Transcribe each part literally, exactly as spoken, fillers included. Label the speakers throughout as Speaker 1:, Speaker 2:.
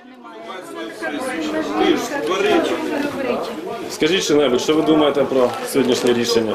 Speaker 1: Скажіть що-небудь, що ви думаєте про сьогоднішнє рішення?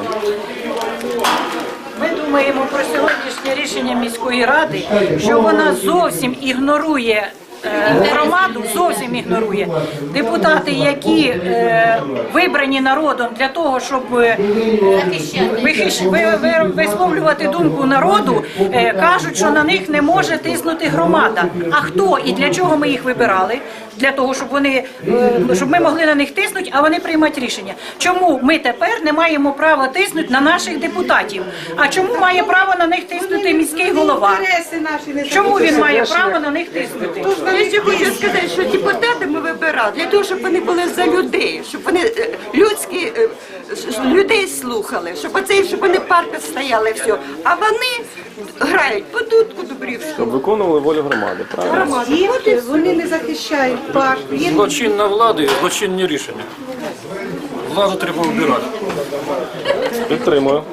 Speaker 2: Ми думаємо про сьогоднішнє рішення міської ради, що вона зовсім ігнорує громаду, зовсім ігнорує. Депутати, які е, вибрані народом для того, щоб е, вихищ, ви, ви, висловлювати думку народу, е, кажуть, що на них не може тиснути громада. А хто і для чого ми їх вибирали? Для того, щоб вони, е, щоб ми могли на них тиснути, а вони приймати рішення. Чому ми тепер не маємо права тиснути на наших депутатів? А чому має право на них тиснути міський голова? Чому він має право на них тиснути?
Speaker 3: Я ще хочу сказати, що депутати ми вибирали для того, щоб вони були за людей, щоб вони е, людські е, с- людей слухали, щоб оцей, щоб вони парки стояли, все. А вони грають по дудку Дубрівську.
Speaker 1: Щоб виконували волю громади, правильно?
Speaker 4: Діти, вони не захищають парк. Їм
Speaker 5: Злочинна влада і злочинні рішення. Владу треба вибирати.
Speaker 1: Підтримую.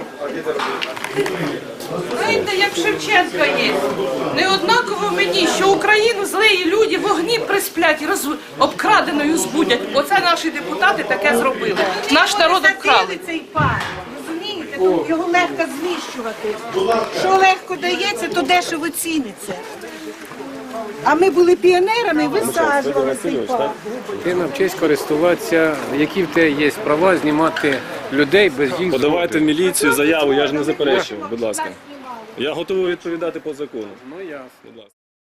Speaker 6: Знаєте, як Шевченка є. Не однаково мені, що Україну злеї люди вогні присплять і роз... обкраденою збудять. Оце наші депутати таке зробили. Наш народ обкрали.
Speaker 4: цей парк. Розумієте? Тому його легко знищувати. Що легко дається, то дешево ціниться. А ми були піонерами, висаджували цей парк.
Speaker 7: Ти навчись користуватися, які в тебе є права знімати людей без їх
Speaker 1: Подавайте в
Speaker 7: згоди.
Speaker 1: міліцію заяву, я ж не заперечую, будь ласка. Я готовий відповідати по закону.
Speaker 7: Ну, ясно.
Speaker 1: Будь ласка.